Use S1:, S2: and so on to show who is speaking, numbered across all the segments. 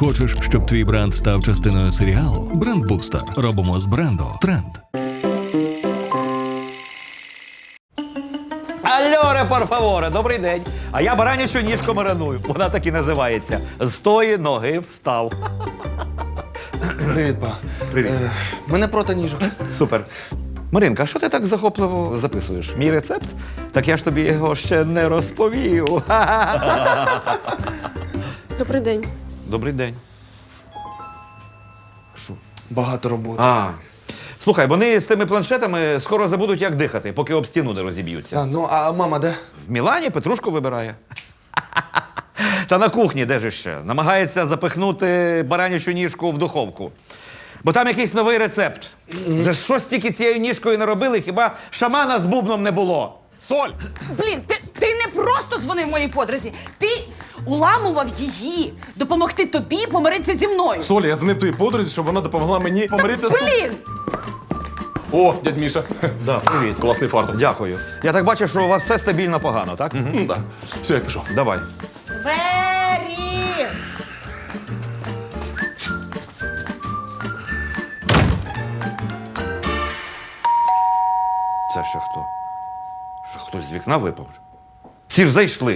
S1: Хочеш, щоб твій бренд став частиною серіалу? Брендбустер. Робимо з бренду тренд.
S2: Альоре, парфаворе, добрий день. А я баранячу ніжку мариную. Вона так і називається. З тої ноги встав.
S3: Привіт, па.
S2: Привіт.
S3: Ми не проти ніжок.
S2: Супер. Маринка, а що ти так захопливо записуєш? Мій рецепт? Так я ж тобі його ще не розповів.
S4: Добрий день.
S2: Добрий день.
S3: Багато роботи.
S2: А. Слухай, вони з тими планшетами скоро забудуть, як дихати, поки об стіну не розіб'ються.
S3: А мама де?
S2: В Мілані Петрушку вибирає. Та на кухні, де ж ще? Намагається запихнути баранячу ніжку в духовку. Бо там якийсь новий рецепт. Вже щось тільки цією ніжкою не робили, хіба шамана з бубном не було.
S3: Соль!
S4: Блін, ти не просто дзвонив моїй подрузі. Ти уламував її допомогти тобі помиритися зі мною.
S5: Соля, я дзвонив твоїй подрузі, щоб вона допомогла мені помиритися з...
S4: Блін!
S5: О, дядь Міша.
S2: Да, привіт.
S5: Класний фартук.
S2: Дякую. Я так бачу, що у вас все стабільно погано, так?
S5: Да. Все, я пішов.
S2: Давай.
S4: Двері!
S2: Це ще хто? Що хтось з вікна випав? Ці ж зайшли.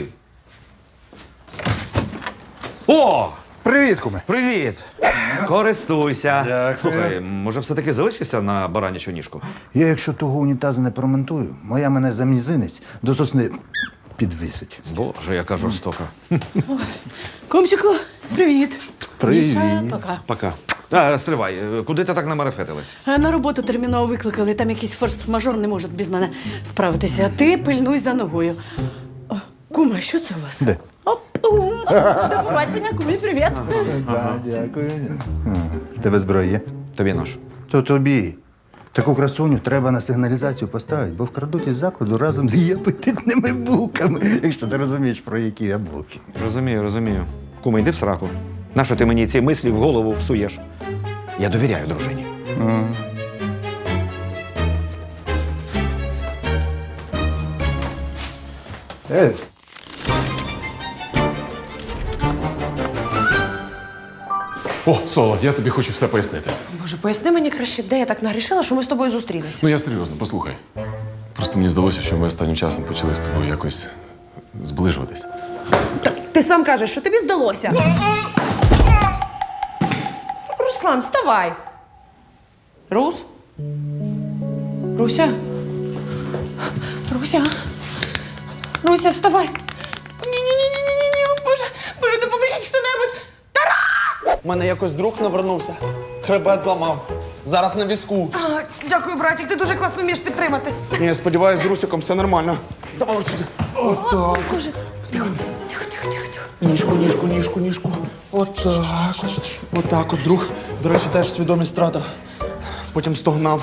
S2: О!
S6: Привіт, куме.
S2: Привіт! Користуйся.
S6: Дякую.
S2: Слухай, може все-таки залишишся на баранячу ніжку?
S6: Я, якщо того унітазу не промонтую, моя мене за мізинець до сосни підвисить.
S2: Боже, яка жорстока.
S4: Комчику, привіт.
S6: Привіт.
S4: Міша, пока.
S2: Пока. Стривай, куди ти так намарафетилась?
S4: На роботу терміново викликали, там якийсь форс-мажор не може без мене справитися. А ти пильнуй за ногою. О, кума, що це у вас?
S6: Де?
S4: Оп-ум. До побачення, кумі, привіт.
S6: Дякую. В тебе зброя є?
S2: Тобі наш.
S6: То тобі. Таку красуню треба на сигналізацію поставити, бо вкрадуть із закладу разом з її апетитними булками, якщо ти розумієш, про які я булки.
S2: Розумію, розумію. Куми, йди в сраку. Нащо ти мені ці мислі в голову псуєш? Я довіряю дружині.
S5: О, Соло, я тобі хочу все пояснити.
S7: Боже, поясни мені краще, де я так нагрішила, що ми з тобою зустрілися.
S5: Ну я серйозно, послухай. Просто мені здалося, що ми останнім часом почали з тобою якось зближуватись.
S7: Ти сам кажеш, що тобі здалося. Руслан, вставай. Рус? Руся? Руся? Руся, вставай. Ні-ні-ні-ні-ні-ні, Боже, Боже, допоможіть хто-небудь.
S3: У мене якось друг навернувся. Хребет зламав. Зараз на візку.
S7: А, дякую, братик, ти дуже класно вмієш підтримати.
S3: Ні, сподіваюсь, з Русиком все нормально. Давай сюди. Отак.
S7: Боже.
S3: Ніжку. Отак. Отак от, друг. До речі, теж свідомість втратив. Потім стогнав.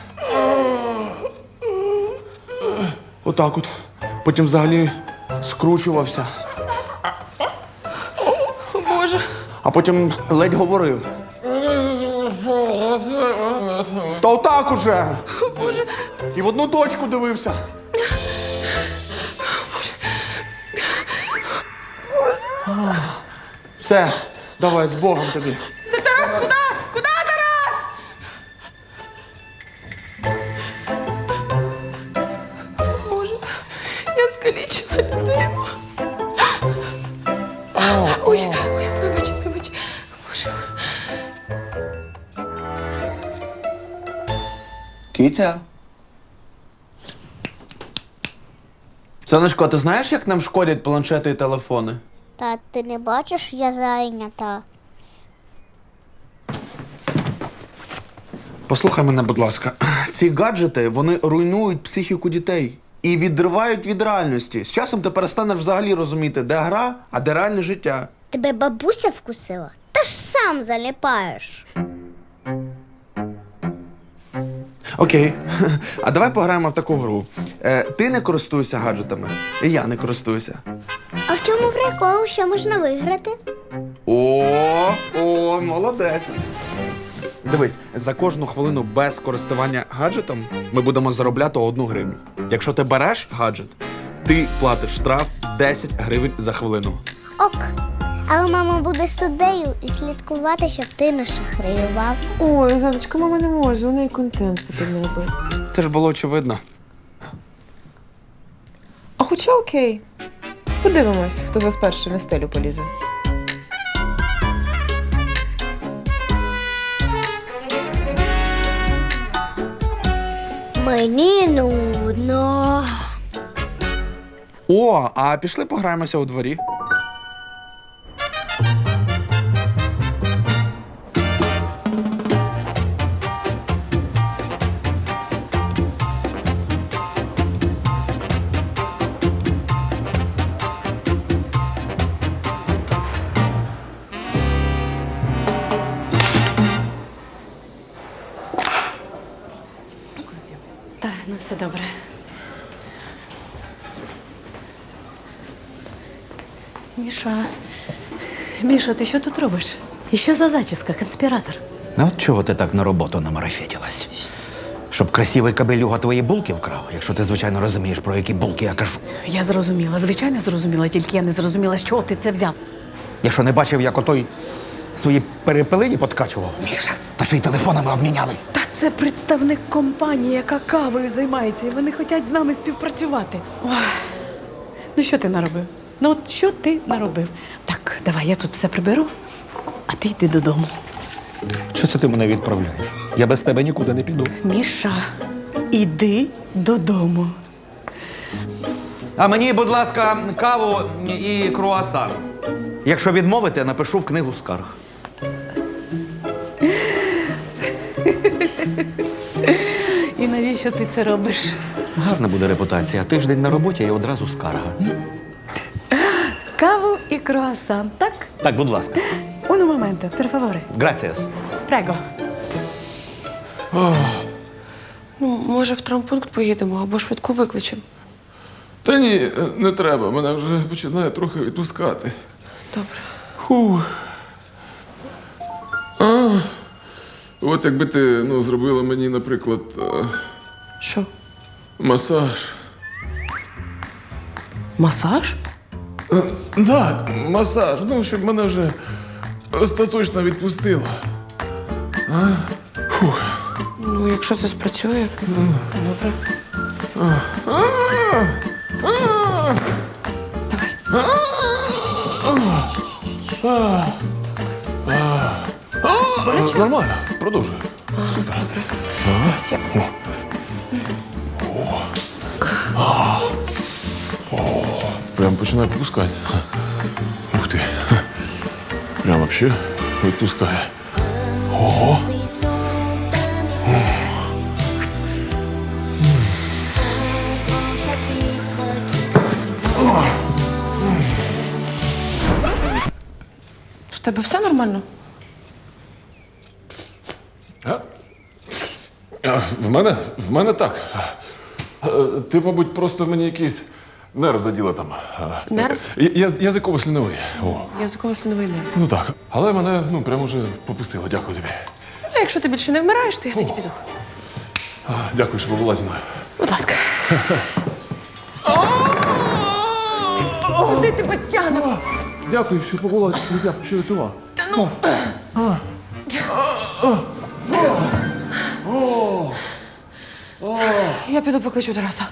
S3: Отак от. Потім взагалі скручувався.
S7: О, Боже.
S3: А потім ледь говорив. Та отак уже.
S7: Боже.
S3: І в одну точку дивився. Все, давай, з Богом тобі.
S7: Ти, Тарас, куди? Куди, Тарас? Боже, я скалічила людину. Ой, вибач. Боже.
S3: Кітя. Сонечко, ти знаєш, як нам шкодять планшети і телефони?
S8: Та ти не бачиш, я зайнята.
S3: Послухай мене, будь ласка. Ці гаджети, вони руйнують психіку дітей і відривають від реальності. З часом ти перестанеш взагалі розуміти, де гра, а де реальне життя.
S8: Тебе бабуся вкусила? Та ж сам заліпаєш.
S3: Окей. А давай пограємо в таку гру. Ти не користуєшся гаджетами, і я не користуюся.
S8: А в чому прикол, що можна виграти?
S3: О, молодець. Дивись, за кожну хвилину без користування гаджетом ми будемо заробляти 1 гривню. Якщо ти береш гаджет, ти платиш штраф 10 гривень за хвилину.
S8: Ок. Але мама буде суддею і слідкувати, щоб ти не шахраював.
S7: Ой, Златочка, мама не може, у неї контент потрібно робити.
S3: Це ж було очевидно.
S7: А хоча окей. Подивимось, хто з вас перший на стелю полізе.
S8: Мені нудно.
S3: О, а пішли пограємося у дворі.
S4: Так, ну все добре. Міша, ти що тут робиш? І що за зачіска, конспіратор?
S2: Ну, от чого ти так на роботу намарафетилась? Щоб красивий кабелюга твої булки вкрав, якщо ти, звичайно, розумієш, про які булки я кажу.
S4: Я зрозуміла, звичайно зрозуміла, тільки я не зрозуміла, з чого ти це взяв.
S2: Я що, не бачив, як отой свої перепелині подкачував? Міша, та ще й телефонами обмінялись.
S4: Та це представник компанії, яка кавою займається, і вони хочуть з нами співпрацювати. Ой. Ну що ти наробив? Ну от що ти наробив? Так, давай, я тут все приберу, а ти йди додому.
S2: Що це ти мене відправляєш? Я без тебе нікуди не піду.
S4: Міша, іди додому.
S2: А мені, будь ласка, каву і круасан. Якщо відмовите, напишу в книгу скарг.
S4: І навіщо ти це робиш?
S2: Гарна буде репутація. Тиждень на роботі і одразу скарга.
S4: Каву і круасан, так?
S2: Так, будь ласка.
S4: Un momento, per favore.
S2: Gracias.
S4: Prego.
S7: Ну, може, в травмпункт поїдемо або швидку викличемо.
S5: Та ні, не треба. Мене вже починає трохи відпускати.
S7: Добре.
S5: Фух. От якби ти зробила мені, наприклад,
S7: Що?
S5: масаж.
S7: Масаж?
S5: Так, масаж. Щоб мене вже остаточно відпустило.
S7: Ну, якщо це спрацює. Добре. Давай.
S5: Нормально, продовжуй.
S7: Добре. Зараз я.
S5: Прям починає попускати. Ух ти. Прям вообще відпускає. Ого.
S7: В тебе все нормально?
S5: В мене так. Ти, мабуть, просто мені якийсь нерв заділа там.
S7: Нерв?
S5: Язиково-сліновий. О.
S7: Язиково-слиновий нерв.
S5: Ну так. Але мене прямо вже попустило. Дякую тобі.
S7: А якщо ти більше не вмираєш, то я тоді піду.
S5: Дякую, що побула зі мною.
S7: Будь ласка. Куди тебе тягне?
S5: Дякую, що побула, що рятував.
S7: Я піду покличу Тараса.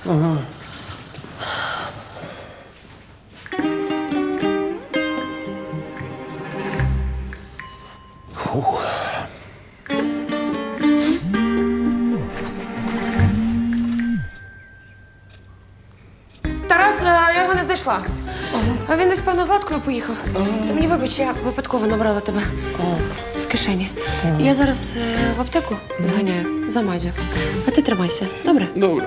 S7: Тарас, я його не знайшла. А він десь, певно, з Златкою поїхав. Ти мені вибач, я випадково набрала тебе в кишені. Я зараз в аптеку зганяю за мазю. А ти тримайся, добре?
S5: Добре.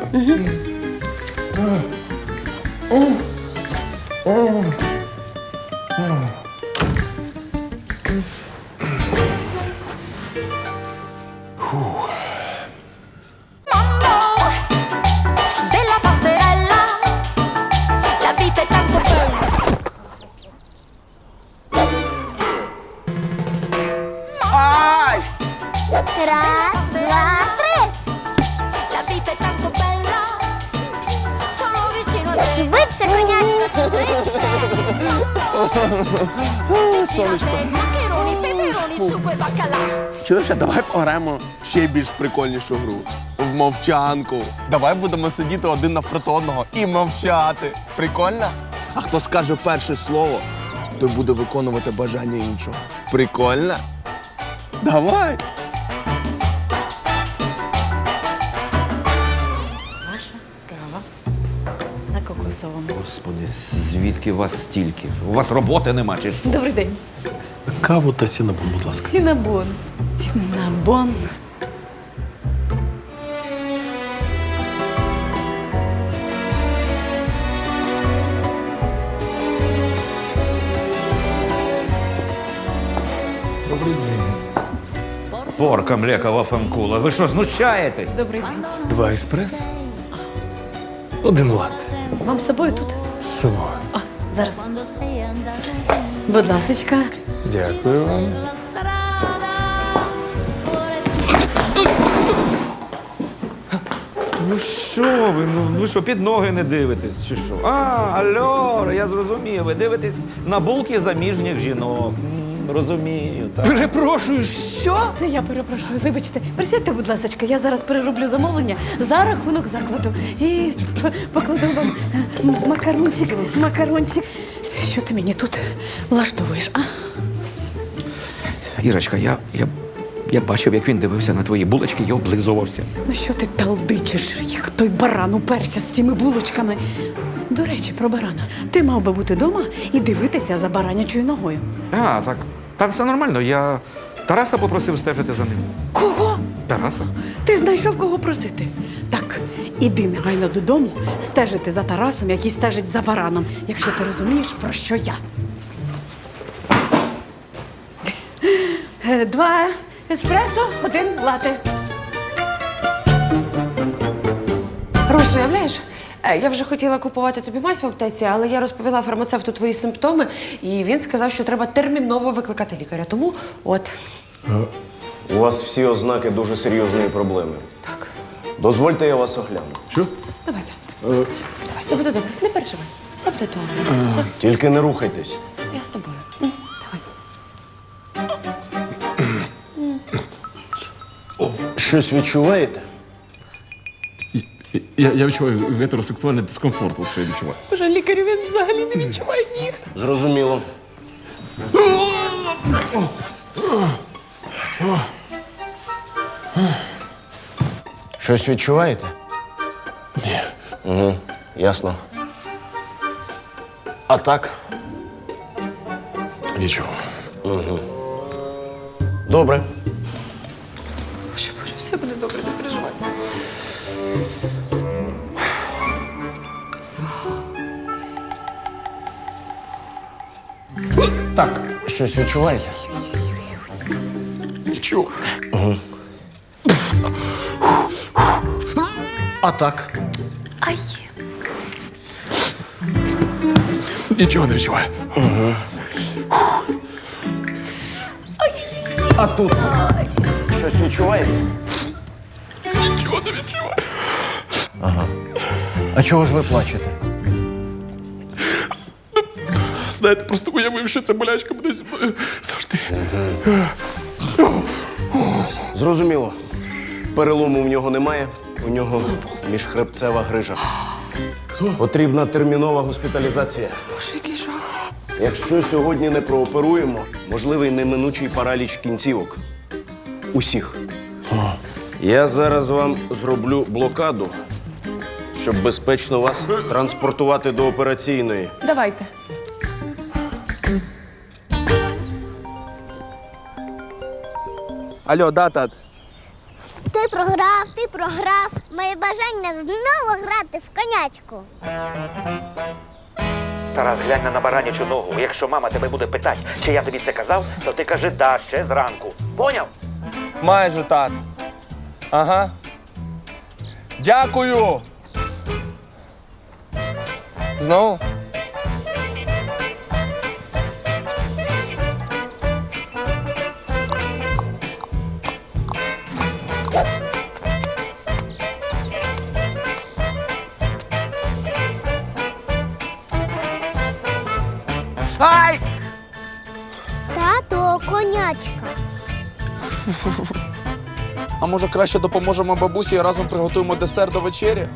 S9: Della passerella, la vita è tanto bella.
S8: Раз, два, три.
S9: La vita è tanto bella. Sono vicino a te.
S8: Швидше, конячко, швидше.
S9: Maccheroni, peperoni, sugo e baccalà.
S10: Чуєш, а давай пограємо в ще більш прикольнішу гру. В мовчанку. Давай будемо сидіти один навпроти одного і мовчати. Прикольно? А хто скаже перше слово, той буде виконувати бажання іншого. Прикольно? Давай!
S4: Кава на кокосовому.
S2: Господи, звідки вас стільки? У вас роботи нема чи що?
S4: Добрий день.
S11: Каву та сінабон, будь ласка.
S4: Цінабон. Цінабон.
S2: Порка млекова фемкула. Ви що, знущаєтесь?
S4: Добрий день.
S11: 2 еспресо, 1 латте.
S4: Вам з собою тут?
S11: З собою.
S4: О, зараз. Будь ласочка.
S11: Дякую вам.
S2: Ну що ви? Ну ви що, під ноги не дивитесь, чи що? А, алло, я зрозумів. Ви дивитесь на булки заміжніх жінок. Розумію, так.
S4: Перепрошую, що? Це я перепрошую. Вибачте. Присядьте, будь ласочка, я зараз перероблю замовлення за рахунок закладу. І покладу вам макарончик. Що ти мені тут влаштовуєш, а?
S2: Ірочка, я бачив, як він дивився на твої булочки і облизувався.
S4: Ну що ти талдичиш, як той баран уперся з цими булочками? До речі, про барана. Ти мав би бути вдома і дивитися за баранячою ногою.
S2: А, так. Та все нормально. Я Тараса попросив стежити за ним.
S4: Кого?
S2: Тараса?
S4: Ти знайшов кого просити? Так, іди негайно додому стежити за Тарасом, який стежить за бараном, якщо ти розумієш, про що я. 2 еспресо, 1 лате.
S7: Рус, уявляєш? Я вже хотіла купувати тобі мазь в аптеці, але я розповіла фармацевту твої симптоми, і він сказав, що треба терміново викликати лікаря. Тому от.
S12: У вас всі ознаки дуже серйозної проблеми.
S7: Так.
S12: Дозвольте, я вас огляну.
S5: Що?
S7: Давайте. Давай, все буде добре. Не переживай. Все буде добре. Так,
S12: Тільки не рухайтесь.
S7: я з тобою. Давай.
S12: Щось відчуваєте?
S5: Я відчуваю гетеросексуальний дискомфорт, от що я відчуваю.
S7: Боже, лікарю він взагалі не відчуває ніг.
S12: Зрозуміло. Щось відчуваєте? Ні. Угу. Ясно. А так?
S5: Нічого.
S12: Добре.
S7: Боже, все буде добре, не переживай.
S12: Так, щось відчуваєте?
S5: Нічого.
S12: А так?
S7: Ай.
S5: Нічого не відчуваю.
S12: А тут? Щось відчуваєте?
S5: Нічого не відчуваю.
S12: А чого ж ви плачете?
S5: Знаєте, просто уявив, що ця болячка буде зі мною завжди.
S12: Зрозуміло. Перелому в нього немає, у нього міжхребцева грижа. Потрібна термінова госпіталізація.
S7: Боже, який жах.
S12: Якщо сьогодні не прооперуємо, можливий неминучий параліч кінцівок. Усіх. Я зараз вам зроблю блокаду, щоб безпечно вас транспортувати до операційної.
S7: Давайте.
S10: Алло, да, тат?
S8: Ти програв. Моє бажання знову грати в конячку.
S2: Тарас, глянь на баранячу ногу. Якщо мама тебе буде питати, чи я тобі це казав, то ти кажи «да» ще зранку. Поняв?
S10: Майже, тат. Ага. Дякую. Знову? Ай!
S3: А може краще допоможемо бабусі і разом приготуємо десерт до вечері?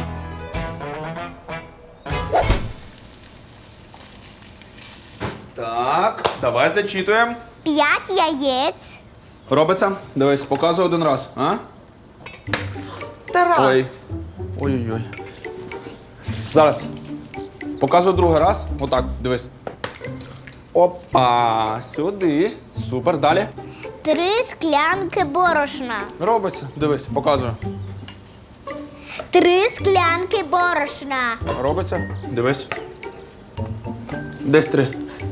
S3: Так, давай зачитуємо.
S8: 5 яєць.
S3: Робиться? Дивись, показуй один раз, а?
S7: Тарас!
S3: Ой. Ой-ой-ой. Зараз. Показую другий раз. Отак, дивись. Опа, сюди. Супер, далі.
S8: 3 склянки борошна.
S3: Робиться. Дивись, показую.
S8: 3 склянки борошна.
S3: Робиться. Дивись. Десь 3.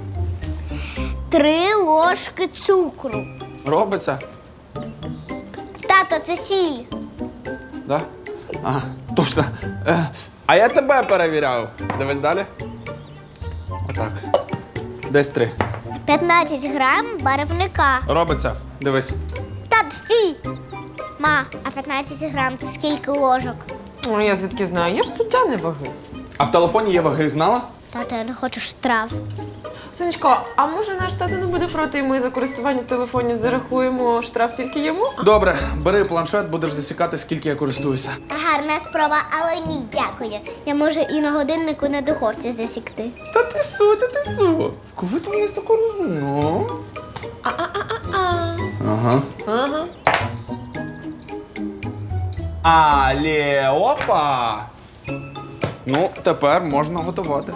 S8: 3 ложки цукру.
S3: Робиться.
S8: Тато, це сіль.
S3: Да? Ага, точно. А я тебе перевіряв. Дивись далі. Отак. Десь 3.
S8: 15 грам барвника.
S3: Робиться. Дивись.
S8: Тато, стій! Ма, а 15 грам це скільки ложок?
S7: Ой, я звідки знаю, я ж суддя не ваги.
S3: А в телефоні є ваги, знала?
S8: Тато, я не хочу штраф.
S7: Сонечко, а може наш тато не буде проти, і ми за користування телефонів зарахуємо штраф тільки йому?
S3: Добре, бери планшет, будеш засікати, скільки я користуюся.
S8: Гарна спроба, але ні, дякую. Я можу і на годиннику на духовці засікти.
S3: Та ти су, та ти су. Коли ти мене тако розумно? Ага.
S7: Ага.
S3: Але, опа! Ну, тепер можна готувати.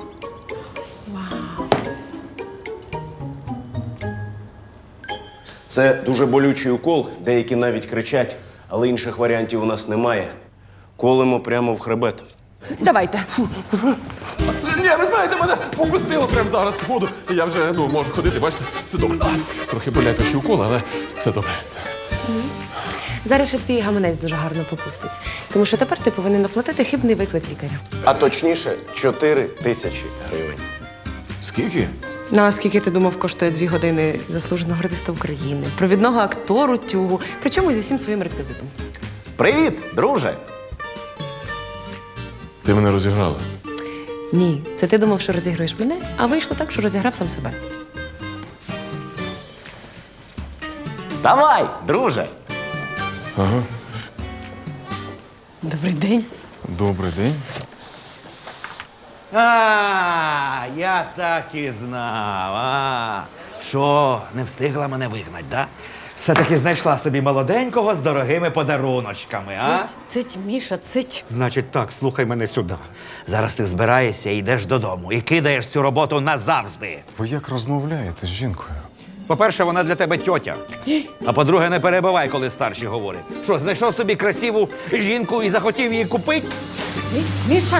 S12: Це дуже болючий укол, деякі навіть кричать, але інших варіантів у нас немає. Колемо прямо в хребет.
S7: Давайте.
S5: Ні, ви знаєте, мене попустило прямо зараз в воду. І я вже можу ходити, бачите, все добре. Трохи болять ще укол, але все добре.
S7: Зараз ще твій гаманець дуже гарно попустить. Тому що тепер ти повинен оплатити хибний виклик лікаря.
S12: А точніше, 4 тисячі гривень.
S5: Скільки?
S7: Ну, а скільки ти думав, коштує 2 години заслуженого артиста України, провідного актору тюгу, причому зі всім своїм реквізитом.
S2: Привіт, друже!
S5: Ти мене розіграла.
S7: Ні, це ти думав, що розігруєш мене, а вийшло так, що розіграв сам себе.
S2: Давай, друже!
S5: Ага.
S4: Добрий день.
S5: Добрий день.
S2: А, я так і знав. Що, не встигла мене вигнать, да? Все-таки знайшла собі молоденького з дорогими подаруночками, а?
S4: Цить, Міша, цить.
S2: Значить так, слухай мене сюди. Зараз ти збираєшся і йдеш додому і кидаєш цю роботу назавжди.
S5: Ви як розмовляєте з жінкою?
S2: По-перше, вона для тебе тьотя. А по-друге, не перебивай, коли старші говорять. Що, знайшов собі красиву жінку і захотів її купити?
S4: Міша!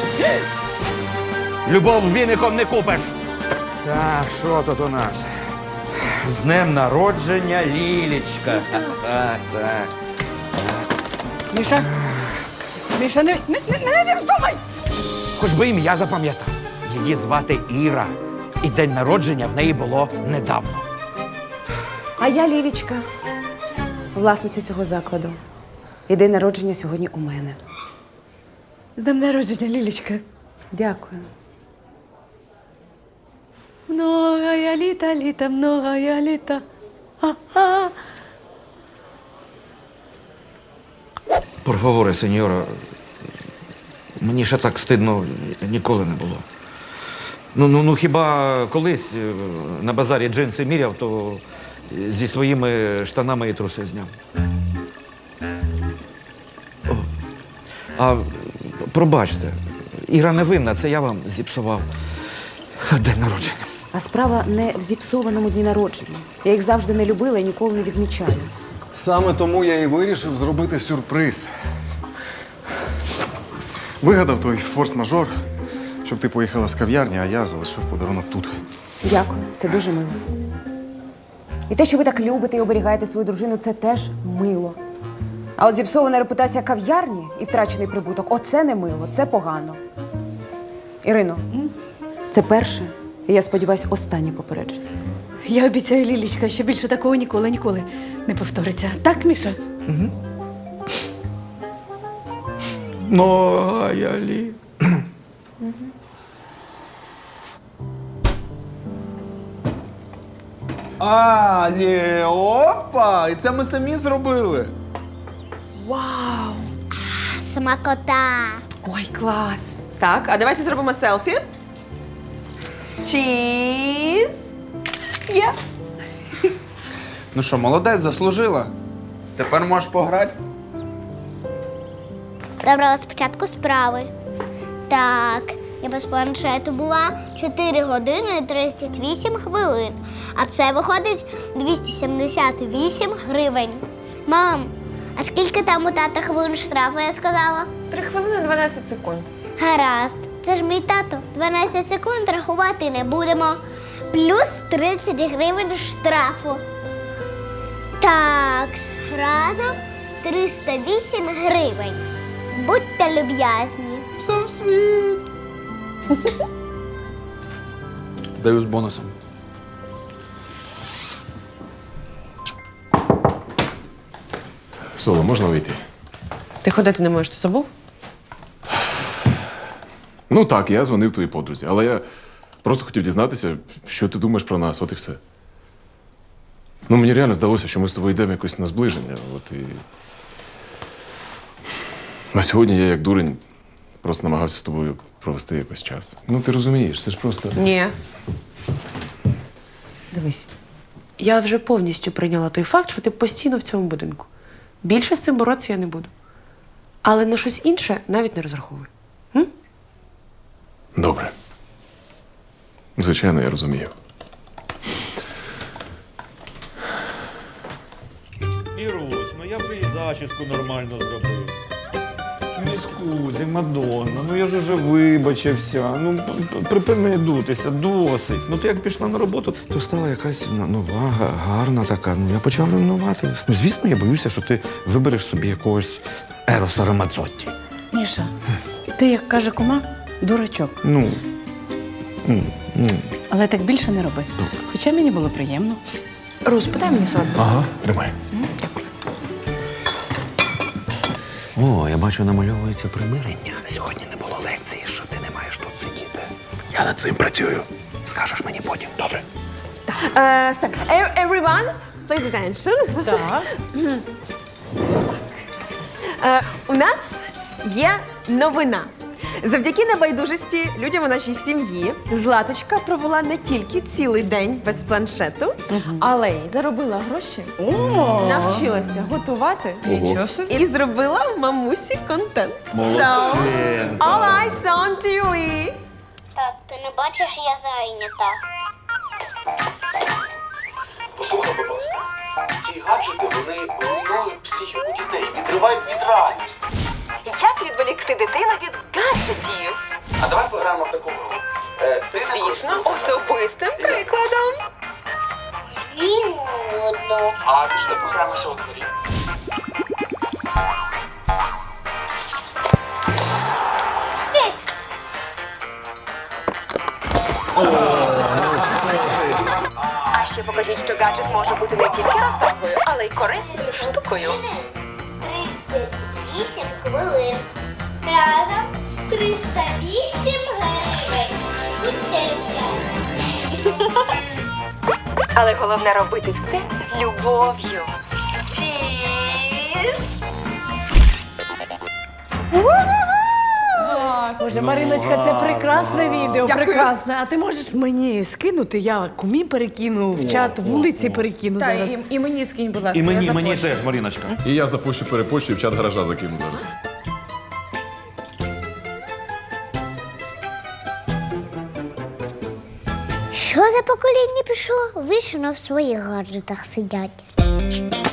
S2: Любов віником не купиш. Так, що тут у нас? З днем народження, Лілічка. Так, так.
S4: Міша! Міша, не вздумай!
S2: Хоч би ім'я запам'ятав. Її звати Іра. І день народження в неї було недавно.
S13: А я Лілічка, власниця цього закладу. І день народження сьогодні у мене.
S4: З днем народження, Лілічка.
S13: Дякую.
S4: Многая літа, літа, многая літа. А-а.
S2: Por favore, сеньора, мені ще так стидно ніколи не було. Ну, хіба колись на базарі джинси міряв, то зі своїми штанами і труси зняв. О, а пробачте, Іра не винна, це я вам зіпсував день народження.
S13: А справа не в зіпсованому дні народження. Я їх завжди не любила і ніколи не відмічаю.
S5: Саме тому я і вирішив зробити сюрприз. Вигадав той форс-мажор, щоб ти поїхала з кав'ярні, а я залишив подарунок тут.
S13: Дякую, це дуже мило. І те, що ви так любите і оберігаєте свою дружину, це теж мило. А от зіпсована репутація кав'ярні і втрачений прибуток – оце не мило, це погано. Ірино, це перше, і я сподіваюся, останнє попередження.
S4: Я обіцяю, Лілічка, що більше такого ніколи не повториться. Так, Міша?
S2: Многая лі.
S3: Опа! І це ми самі зробили.
S13: Вау!
S8: Смакота.
S7: Ой, клас. Так, а давайте зробимо селфі. Чіз. Є.
S3: Ну що, молодець, заслужила. Тепер можеш пограти.
S8: Добре, спочатку справи. Так, я без планшету була 4 години 38 хвилин. А це виходить 278 гривень. Мам, а скільки там у тата хвилин штрафу, я сказала?
S7: 3 хвилини 12 секунд.
S8: Гаразд. Це ж мій тато. 12 секунд рахувати не будемо. Плюс 30 гривень штрафу. Так, разом 308 гривень. Будьте люб'язні.
S3: Даю з бонусом.
S5: Соло, можна вийти?
S7: Ти ходити не можеш, ти забув?
S5: Ну так, я дзвонив твоїй подрузі, але я просто хотів дізнатися, що ти думаєш про нас, от і все. Ну, мені реально здалося, що ми з тобою йдемо якось на зближення. От і... На сьогодні я, як дурень, просто намагався з тобою провести якось час. Ну, ти розумієш, це ж просто.
S7: Ні. Дивись, я вже повністю прийняла той факт, що ти постійно в цьому будинку. Більше з цим боротися я не буду. Але на щось інше навіть не розраховуй.
S5: Добре. Звичайно, я розумію.
S2: Ірусь, ну я вже і зачіску нормально зробив. Ну, скузі, Мадонна, ну я ж уже вибачився. Ну, припини дутися, досить. Ну ти як пішла на роботу, то стала якась нова, гарна така. Ну я почав ревнувати. Ну, звісно, я боюся, що ти вибереш собі якогось Ероса Рамадзотті.
S4: Міша, ти, як каже кума, дурачок.
S2: Ну.
S4: Але так більше не роби. Хоча мені було приємно.
S7: Рус, подай мені салат.
S5: Ага, тримай.
S7: Дякую.
S12: О, я бачу, намальовується примирення. Сьогодні не було лекції, що ти не маєш тут сидіти. Я над цим працюю. Скажеш мені потім, добре?
S7: Так, everyone, please attention.
S4: Так.
S7: У нас є новина. Завдяки небайдужості людям у нашій сім'ї Златочка провела не тільки цілий день без планшету, але й заробила гроші, навчилася готувати
S4: Нічого собі.
S7: і зробила в мамусі контент. So, all eyes on TV.
S8: Так, ти не бачиш, я зайнята.
S3: Послухай, будь ласка, ці гаджети, вони руйнують психіку дітей, відривають від реальності.
S13: Як відволікти дитину від гаджетів?
S3: А давай пограємо в таку гру.
S13: Звісно, особистим прикладом.
S8: Ні, нудно.
S3: А пішли пограємося у дворі.
S13: А ще покажіть, що гаджет може бути не тільки розвагою, але й корисною штукою.
S8: 38 хвилин. Разом 308 гривень. Будьте люб'язні.
S13: Але головне робити все з любов'ю. Чіз!
S4: Боже, Мариночка, це прекрасне відео, прекрасне. А ти можеш мені скинути? Я кумі перекину, в чат вулиці перекину зараз.
S7: І мені скинь, будь ласка,
S2: І
S7: я
S2: мені
S7: запущу.
S2: теж, Маріночка.
S5: І я запущу перепощу і в чат гаража закину зараз.
S8: Що за покоління пішло? Вічно в своїх гаджетах сидять.